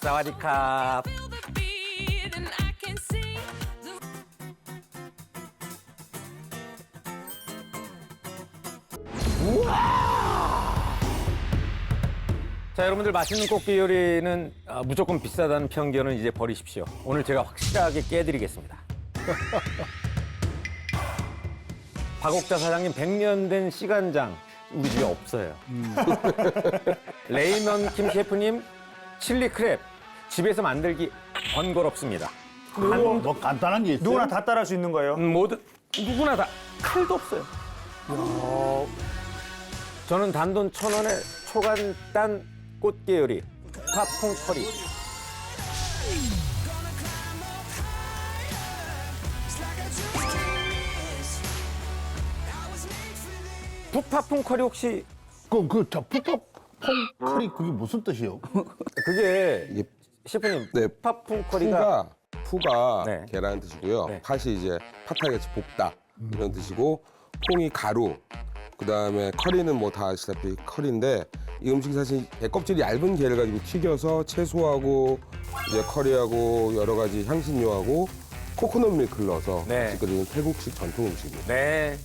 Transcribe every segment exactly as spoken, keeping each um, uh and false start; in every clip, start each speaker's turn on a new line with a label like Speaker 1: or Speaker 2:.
Speaker 1: 사와디캅. 자, 여러분들 맛있는 꽃게 요리는 아, 무조건 비싸다는 편견은 이제 버리십시오. 오늘 제가 확실하게 깨드리겠습니다. 박옥자 사장님 백 년 된 시간장 우리 집에 없어요. 음. 레이먼 킴 셰프님 칠리 크랩 집에서 만들기 번거롭습니다.
Speaker 2: 뭐, 뭐 간단한 게 있어요?
Speaker 3: 누구나 다 따라할 수 있는 거예요?
Speaker 1: 음, 모든 누구나 다 칼도 없어요. 저는 단돈 천 원에 초간단 꽃게 요리 팝콘 커리. 푸파풍 커리 혹시
Speaker 2: 그럼 그저 푸파 퐁커리 그게 무슨 뜻이요?
Speaker 1: 그게
Speaker 4: 이게
Speaker 1: 셰프님
Speaker 4: 네,
Speaker 1: 푸파풍 커리가
Speaker 4: 푸가 푸가
Speaker 1: 네.
Speaker 4: 계란 뜻이고요.
Speaker 1: 네.
Speaker 4: 팥이 이제 팥하게같이 볶다 이런 뜻이고 콩이 가루. 그다음에 커리는 뭐 다 아시다시피 커리인데 이 음식이 사실 게 껍질이 얇은 게를 가지고 튀겨서 채소하고 이제 커리하고 여러 가지 향신료하고 코코넛 밀크를 넣어서
Speaker 1: 네.
Speaker 4: 같이 끓이는 태국식 전통 음식입니다.
Speaker 1: 네.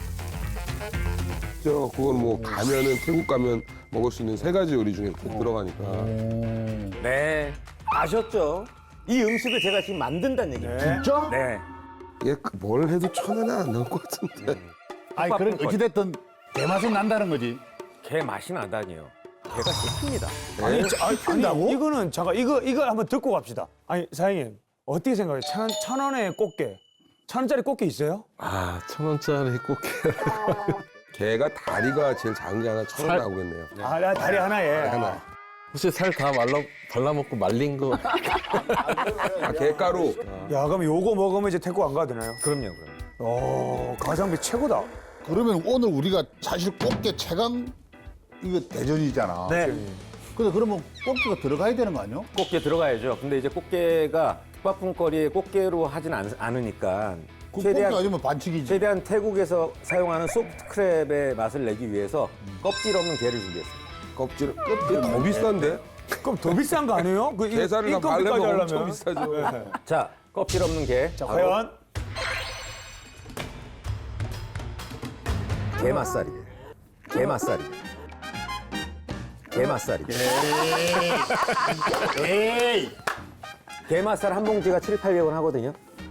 Speaker 4: 저 그건 뭐 가면은 태국 가면 먹을 수 있는 세 가지 요리 중에 꼭 들어가니까.
Speaker 1: 네. 아셨죠? 이 음식을 제가 지금 만든다는 얘기예요.
Speaker 2: 진짜?
Speaker 1: 네.
Speaker 4: 이게 그뭘 해도 천 원은 안 나올 것 같은데.
Speaker 2: 아니 그럼 어찌됐든 대맛은 난다는 거지.
Speaker 1: 개 맛이 나다니요. 개가 씹힙니다.
Speaker 3: 아니,
Speaker 4: 네.
Speaker 3: 자, 아니, 아니, 이거는 잠깐 이거 이거 한번 듣고 갑시다. 아니 사장님 어떻게 생각해요? 천, 천 원에 꽃게, 천 원짜리 꽃게 있어요?
Speaker 4: 아, 천 원짜리 꽃게. 개가 다리가 제일 작은 게 하나 천 원 나오겠네요.
Speaker 3: 아, 나 다리 하나에.
Speaker 4: 하나.
Speaker 5: 혹시 살 다 말라 발라먹고 말린 거
Speaker 4: 아, 개가루.
Speaker 3: 야 그럼 요거 먹으면 이제 태국 안 가도 되나요?
Speaker 1: 그럼요, 그럼요.
Speaker 3: 오 가성비 최고다.
Speaker 2: 그러면 오늘 우리가 사실 꽃게 최강 이거 대전이잖아.
Speaker 3: 네.
Speaker 2: 근데 그러면 꽃게가 들어가야 되는 거 아니야?
Speaker 1: 꽃게 들어가야죠. 근데 이제 꽃게가 푸파풍거리에 꽃게로 하진 않, 않으니까
Speaker 2: 그
Speaker 1: 최대한
Speaker 2: 꽃게 아니면 반칙이지.
Speaker 1: 최대한 태국에서 사용하는 소프트 크랩의 맛을 내기 위해서 껍질 없는 게를 준비했습니다.
Speaker 4: 껍질. 이게 더 비싼데?
Speaker 3: 그럼 더 비싼 거 아니에요? 그 이-
Speaker 4: 게살을 다
Speaker 3: 인건비까지
Speaker 4: 말려면 엄청
Speaker 3: 하려면.
Speaker 4: 비싸죠.
Speaker 1: 자, 껍질 없는 게.
Speaker 3: 자
Speaker 1: 바로
Speaker 3: 과연
Speaker 1: 게맛살이에요. 게맛살이. 게맛살이.
Speaker 2: 에이.
Speaker 1: 게맛살 한 봉지가 칠팔백 원 하거든요.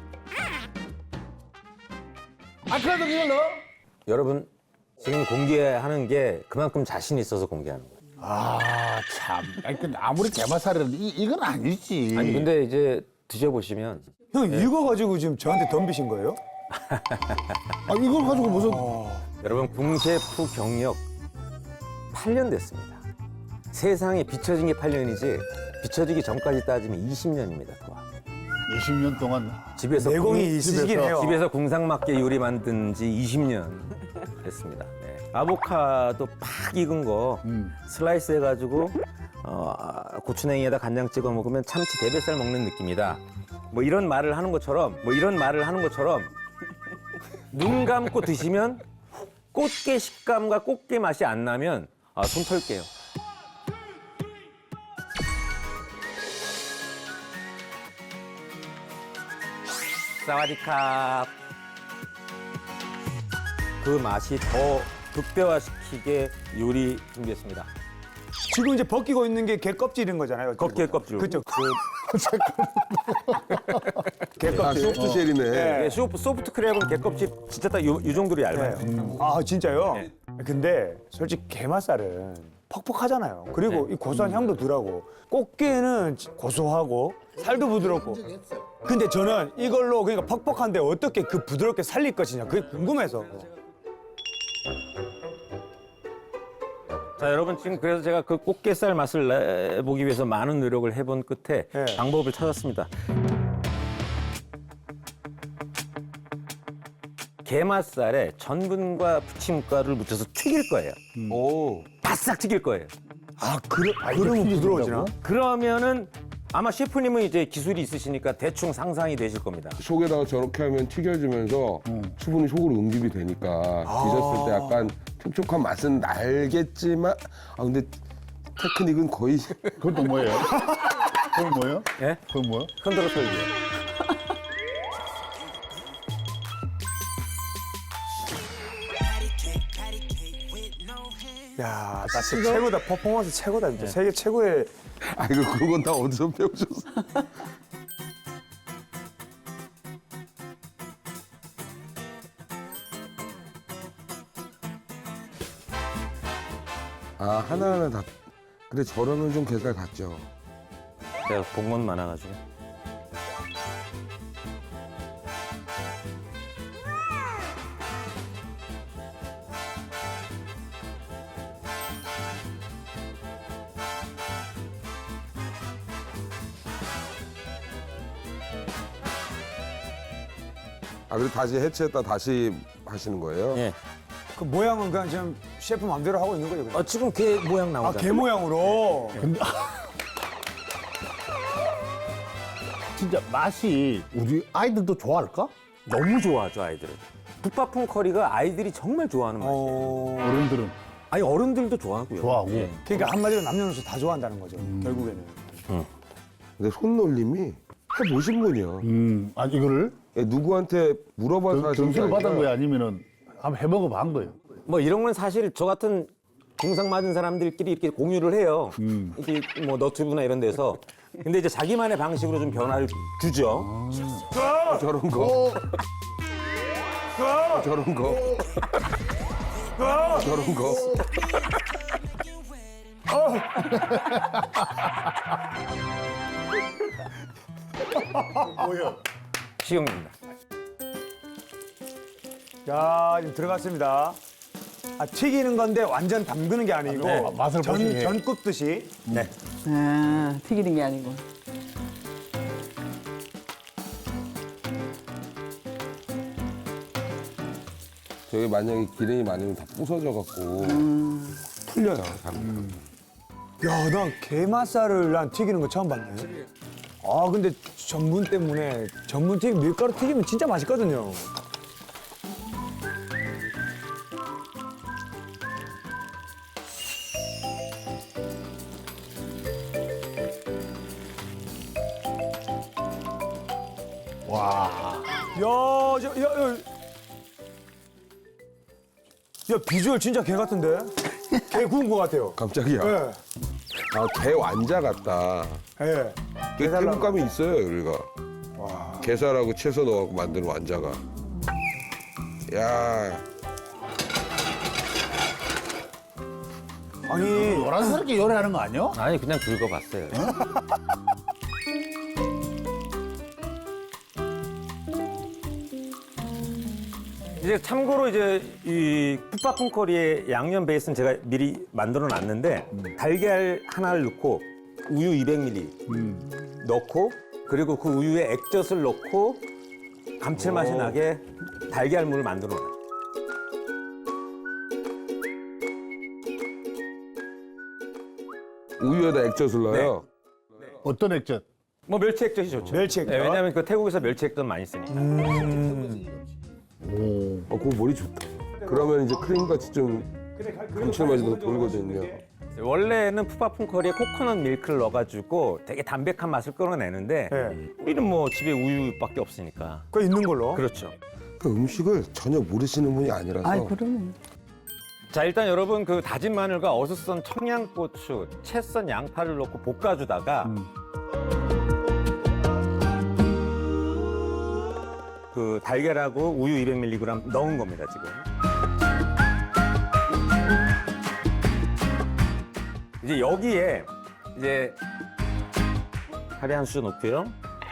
Speaker 2: 아 그래도 이걸 넣어?
Speaker 1: 여러분, 지금 공개하는 게 그만큼 자신 있어서 공개하는 거예요.
Speaker 2: 아 참. 아니 근데 아무리 게맛살이라도 이 이건 아니지.
Speaker 1: 아니, 근데 이제 드셔보시면
Speaker 3: 형 이거 가지고 지금 저한테 덤비신 거예요?
Speaker 2: 아 이걸 가지고 무슨?
Speaker 1: 여러분 궁셰프 경력 팔 년 됐습니다. 세상에 비춰진 게 팔 년이지 비춰지기 전까지 따지면 이십 년입니다. 더.
Speaker 2: 이십 년 동안
Speaker 1: 집에서
Speaker 3: 내공이
Speaker 1: 궁-
Speaker 3: 있으시긴
Speaker 1: 집에서,
Speaker 3: 해요.
Speaker 1: 집에서 궁상맞게 요리 만든 지 이십 년 됐습니다. 네. 아보카도 팍 익은 거 슬라이스 해가지고 어, 고추냉이에다 간장 찍어 먹으면 참치 대뱃살 먹는 느낌이다. 뭐 이런 말을 하는 것처럼 뭐 이런 말을 하는 것처럼 눈 감고 드시면 꽃게 식감과 꽃게 맛이 안 나면 아, 손 털게요. 사와디캅. 그 맛이 더 극대화시키게 요리 준비했습니다.
Speaker 3: 지금 이제 벗기고 있는 게 게 껍질인 거잖아요.
Speaker 1: 껍질 껍질.
Speaker 3: 그렇죠. 게
Speaker 4: 아,
Speaker 3: 껍질.
Speaker 4: 소프트 쉘이네.
Speaker 1: 네, 소프, 소프트 크랩은 게 껍질 진짜 딱 요 정도로 얇아요.
Speaker 3: 네. 아 진짜요? 근데 솔직히 게맛살은 퍽퍽하잖아요. 그리고 이 고소한 향도 덜하고 꽃게는 고소하고 살도 부드럽고. 근데 저는 이걸로 그러니까 퍽퍽한데 어떻게 그 부드럽게 살릴 것이냐 그게 궁금해서.
Speaker 1: 자, 여러분 지금 그래서 제가 그 꽃게살 맛을 내보기 위해서 많은 노력을 해본 끝에
Speaker 3: 네.
Speaker 1: 방법을 찾았습니다. 게맛살에 전분과 부침가루를 묻혀서 튀길 거예요.
Speaker 4: 오.
Speaker 1: 바싹 튀길 거예요.
Speaker 3: 아 그래? 그러면 부드러워지나?
Speaker 1: 그러면은 아마 셰프님은 이제 기술이 있으시니까 대충 상상이 되실 겁니다.
Speaker 4: 속에다가 저렇게 하면 튀겨지면서 수분이 속으로 응집이 되니까 드셨을 때 약간 촉촉한 맛은 날겠지만 아 근데 테크닉은 거의
Speaker 2: 그건 또 뭐예요? 그건 뭐예요?
Speaker 1: 예?
Speaker 2: 그건 뭐예요?
Speaker 1: 흔들어 설기.
Speaker 3: 야, 나 진짜 최고다. 퍼포먼스 최고다. 진짜 세계 최고의.
Speaker 4: 아이고 그건 다 어디서 배우셨어? 아 하나하나 다 그래 저러면 좀 개살 같죠.
Speaker 1: 제가 본 건 많아가지고.
Speaker 4: 아 그리고 다시 해체했다 다시 하시는 거예요?
Speaker 1: 예.
Speaker 3: 그 모양은 그냥 지금 셰프 마음대로 하고 있는 거죠. 그냥.
Speaker 1: 어, 지금 개 모양
Speaker 3: 아,
Speaker 1: 나오잖아요.
Speaker 3: 개 모양으로.
Speaker 2: 근데 진짜 맛이 우리 아이들도 좋아할까?
Speaker 1: 너무 좋아하죠, 아이들은. 풋파풍 커리가 아이들이 정말 좋아하는 맛이에요.
Speaker 3: 어.
Speaker 2: 어른들은
Speaker 1: 아니, 어른들도 좋아하고요.
Speaker 2: 좋아하고.
Speaker 1: 예.
Speaker 3: 그러니까 한마디로 남녀노소 다 좋아한다는 거죠. 결국에는.
Speaker 4: 근데 손놀림이 해보신 분이야.
Speaker 2: 음, 아 이거를
Speaker 4: 예, 누구한테 물어봐서
Speaker 2: 점-
Speaker 4: 하신 게
Speaker 2: 점수를 받은
Speaker 4: 아니라
Speaker 2: 거야 아니면은 한번 해먹어 본 거예요?
Speaker 1: 뭐 이런 건 사실 저 같은 중상 맞은 사람들끼리 이렇게 공유를 해요. 이게 뭐 너튜브나 이런 데서. 근데 이제 자기만의 방식으로 좀 변화를 주죠.
Speaker 4: 저런 거. 저런 거. 저런 거.
Speaker 1: 시경입니다.
Speaker 3: 자, 지금 들어갔습니다. 아, 튀기는 건데 완전 담그는 게 아니고
Speaker 1: 네.
Speaker 2: 맛을
Speaker 3: 전,
Speaker 2: 보시게.
Speaker 3: 전 굽듯이.
Speaker 1: 네.
Speaker 6: 아, 튀기는 게 아니고.
Speaker 4: 저게 만약에 기름이 많으면 다 부서져 갖고 풀려요. 당.
Speaker 3: 야, 나 게맛살을 난 튀기는 거 처음 봤네. 아, 근데 전분 때문에 전분 튀김 밀가루 튀기면 진짜 맛있거든요.
Speaker 2: 와.
Speaker 3: 야, 저, 야, 야. 야, 비주얼 진짜 개 같은데? 개 구운 거 같아요.
Speaker 4: 깜짝이야.
Speaker 3: 예.
Speaker 4: 아, 개 완자 같다.
Speaker 3: 예.
Speaker 4: 게 태국감이 있어요, 여기가. 게살하고 채소 넣어갖고 만드는 완자가. 야,
Speaker 3: 아니,
Speaker 2: 요란스럽게 요리하는 거 아니야?
Speaker 1: 아니, 그냥 긁어봤어요. 이제 참고로 이제 이 풋파풍 커리의 양념 베이스는 제가 미리 만들어 놨는데 달걀 하나를 넣고 우유 이백 밀리리터 넣고 그리고 그 우유에 액젓을 넣고 감칠맛이 나게 달걀물을 만들어 놔요.
Speaker 4: 우유에다 액젓을 넣어요.
Speaker 2: 어떤 액젓?
Speaker 1: 뭐 멸치 액젓이 좋죠.
Speaker 3: 멸치 액젓?
Speaker 1: 네, 왜냐하면 그 태국에서 멸치 액젓 많이 쓰니까.
Speaker 4: 어, 그거 머리 좋다. 그러면 이제 크림같이 좀 감칠맛이 더 돌거든요.
Speaker 1: 원래는 푸파풍 커리에 코코넛 밀크를 넣어가지고 되게 담백한 맛을 끌어내는데
Speaker 3: 네.
Speaker 1: 우리는 뭐 집에 우유밖에 없으니까.
Speaker 3: 그거 있는 걸로.
Speaker 1: 그렇죠.
Speaker 4: 그 음식을 전혀 모르시는 분이 아니라서
Speaker 6: 아이, 그러면.
Speaker 1: 자, 일단 여러분 그 다진 마늘과 어슷 썬 청양고추, 채 썬 양파를 넣고 볶아주다가 그 달걀하고 우유 이백 밀리그램 넣은 겁니다, 지금. 이제 여기에 이제 카레 한 수 넣고요.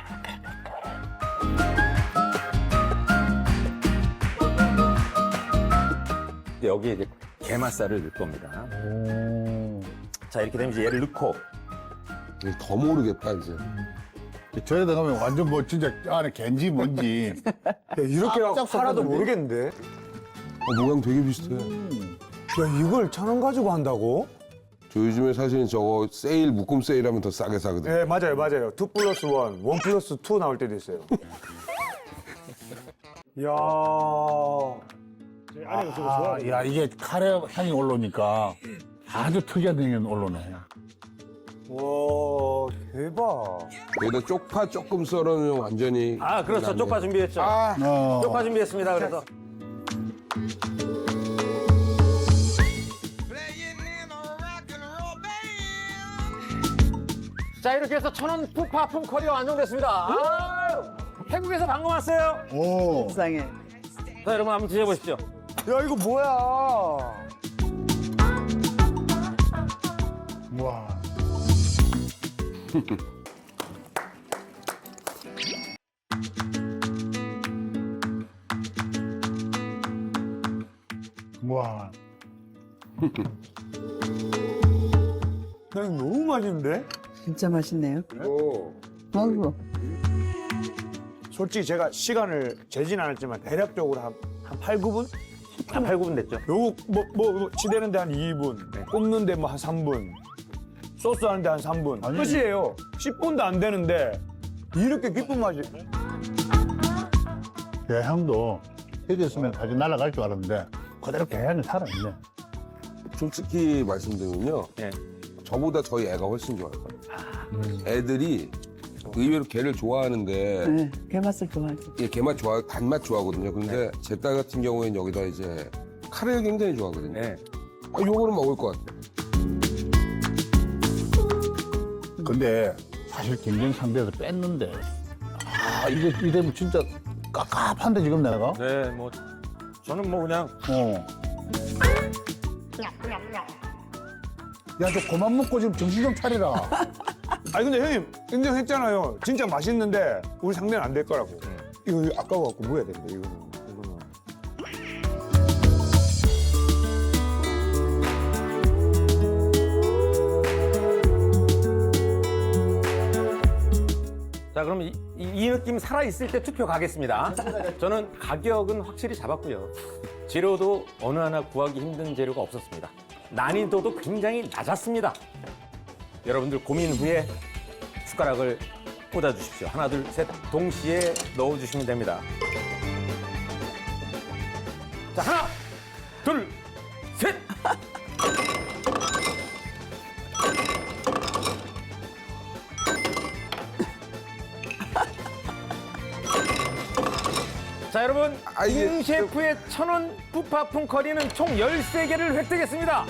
Speaker 1: 여기에 이제 게맛살을 넣을 겁니다. 자, 이렇게 되면 이제 얘를 넣고
Speaker 4: 더 모르겠다 이제.
Speaker 2: 저에다 가면 완전 뭐 진짜 안에 겐지 뭔지.
Speaker 3: 야, 이렇게
Speaker 2: 깜짝
Speaker 3: 하나도
Speaker 2: 놀랐는데?
Speaker 3: 모르겠는데.
Speaker 4: 어, 모양 되게 비슷해.
Speaker 3: 야, 이걸 천 원 가지고 한다고?
Speaker 4: 저 요즘에 사실 저거 세일 묶음 세일하면 더 싸게 사거든요.
Speaker 3: 네, 맞아요, 맞아요. 투 플러스 원, 원 플러스 투 나올 때도 있어요. 이야.
Speaker 2: 아, 야 이게 카레 향이 올라오니까 아주 특이한 향이 올라오네.
Speaker 3: 와 대박.
Speaker 4: 여기다 쪽파 조금 썰어놓으면 완전히.
Speaker 1: 아, 그렇죠. 쪽파 준비했죠.
Speaker 4: 아,
Speaker 2: 어.
Speaker 1: 쪽파 준비했습니다. 그래서 자, 이렇게 해서 천원 푸파 푸커리가 완성됐습니다. 아, 태국에서 방금 왔어요.
Speaker 2: 오.
Speaker 6: 세상에.
Speaker 1: 자, 여러분 한번 드셔보십시오.
Speaker 3: 야 이거 뭐야?
Speaker 2: 와. 와.
Speaker 3: 그냥 너무 맛있는데?
Speaker 6: 진짜 맛있네요.
Speaker 4: 오.
Speaker 6: 아이고.
Speaker 3: 솔직히 제가 시간을 재진 않았지만 대략적으로 한, 한 팔, 구 분?
Speaker 1: 한 팔, 구 분 됐죠.
Speaker 3: 요거 뭐, 뭐, 뭐 치대는데 한 이 분, 굽는데 뭐 한 삼 분, 소스 하는데 한 삼 분.
Speaker 2: 아니.
Speaker 3: 끝이에요. 십 분도 안 되는데 이렇게 깊은 맛이.
Speaker 2: 게향도 해졌으면 다시 날아갈 줄 알았는데 그대로 게향이 살아있네.
Speaker 4: 솔직히 말씀드리면요.
Speaker 1: 예.
Speaker 4: 저보다 저희 애가 훨씬 좋아요. 애들이 의외로 게를 좋아하는데
Speaker 6: 네, 게맛을 좋아하죠.
Speaker 4: 예, 게맛 좋아, 단맛 좋아하거든요. 근데 제 딸 같은 경우에는 여기다 이제 카레를 굉장히 좋아하거든요.
Speaker 1: 예.
Speaker 4: 아, 요거는 먹을 것 같아요.
Speaker 2: 근데 사실 경쟁 상대에서 뺐는데 아 이게 이대면 진짜 깝깝한데 지금 내가
Speaker 1: 네, 뭐 저는 뭐 그냥
Speaker 2: 어. 야, 저 그만 먹고 지금 정신 좀 차리라.
Speaker 3: 아니 근데 형님 인정했잖아요. 진짜 맛있는데 우리 상대는 안 될 거라고. 이거 아까워갖고 뭐 해야 되는데 이거는. 이거는.
Speaker 1: 자, 그럼 이, 이, 이 느낌 살아있을 때 투표 가겠습니다. 저는 가격은 확실히 잡았고요. 재료도 어느 하나 구하기 힘든 재료가 없었습니다. 난이도도 굉장히 낮았습니다. 여러분들 고민 후에 숟가락을 꽂아주십시오. 하나, 둘, 셋 동시에 넣어주시면 됩니다. 자, 하나, 둘, 셋! 자, 여러분,
Speaker 4: 아, 이게
Speaker 1: 임 셰프의 천원 푸파풍 커리는 총 열세 개를 획득했습니다.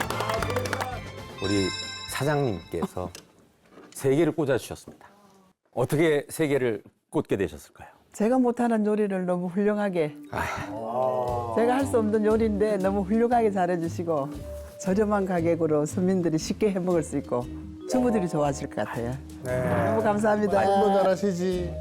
Speaker 1: 우리 사장님께서 세 개를 꽂아주셨습니다. 어떻게 세 개를 꽂게 되셨을까요?
Speaker 6: 제가 못하는 요리를 너무 훌륭하게. 제가 할 수 없는 요리인데 너무 훌륭하게 잘해주시고 저렴한 가격으로 서민들이 쉽게 해 먹을 수 있고 주부들이 좋아하실 것 같아요. 너무 감사합니다.
Speaker 2: 아이고 잘하시지.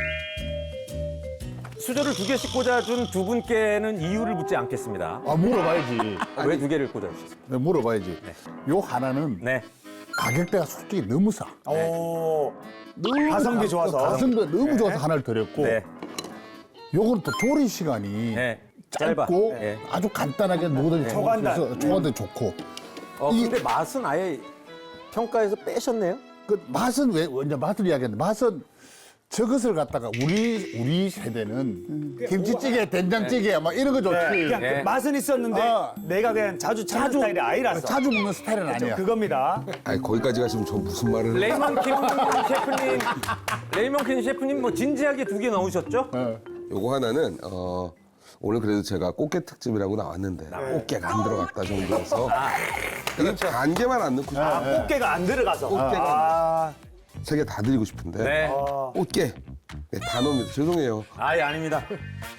Speaker 1: 수저를 두 개씩 꽂아준 두 분께는 이유를 묻지 않겠습니다.
Speaker 2: 아 물어봐야지.
Speaker 1: 왜 두 개를 꽂아주셨습니까?
Speaker 2: 네, 물어봐야지. 요 하나는
Speaker 1: 네.
Speaker 2: 가격대가 솔직히 너무 싸.
Speaker 3: 오.
Speaker 2: 너무
Speaker 3: 가성비
Speaker 2: 가-
Speaker 3: 좋아서.
Speaker 2: 가성비가 너무 좋아서 하나를 드렸고
Speaker 1: 네.
Speaker 2: 요건 또 조리 시간이
Speaker 1: 네.
Speaker 2: 짧고
Speaker 1: 짧아. 네.
Speaker 2: 아주 간단하게 누구든지
Speaker 3: 초간단.
Speaker 2: 먹을 수 있어서 초간단 좋고
Speaker 1: 어,
Speaker 2: 이-
Speaker 1: 근데 맛은 아예 평가에서 빼셨네요?
Speaker 2: 그 맛은 왜 이제 맛을 이야기했는데 맛은 저것을 갖다가 우리 우리 세대는 김치찌개, 된장찌개 막 이런 거 좋지.
Speaker 3: 그냥
Speaker 1: 네.
Speaker 3: 그 맛은 있었는데
Speaker 2: 아.
Speaker 3: 내가 그냥 자주 찾는
Speaker 2: 자주
Speaker 3: 스타일이 아니라서.
Speaker 2: 자주 먹는 스타일은 아니야.
Speaker 3: 그겁니다.
Speaker 4: 아니, 거기까지 가시면 저 무슨 말을.
Speaker 1: 레이먼 킴 셰프님, 레이먼 킴 셰프님 뭐 진지하게 두 개 넣으셨죠?
Speaker 2: 어.
Speaker 4: 요거 하나는, 어, 오늘 그래도 제가 꽃게 특집이라고 나왔는데, 꽃게가 안 들어갔다 정도여서. 이건 반개만 안 넣고 싶어요.
Speaker 3: 아, 꽃게가 안 들어가서.
Speaker 4: 꽃게가
Speaker 3: 아,
Speaker 4: 세 개 다 드리고 싶은데.
Speaker 1: 네.
Speaker 4: 꽃게. 네, 다 넣습니다. 죄송해요.
Speaker 1: 아예 아닙니다.
Speaker 7: Don't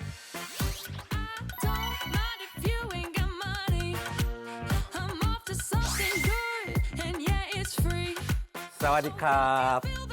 Speaker 7: mind if you ain't got money. I'm off to something good, and yeah, it's free.
Speaker 1: 사와디캅.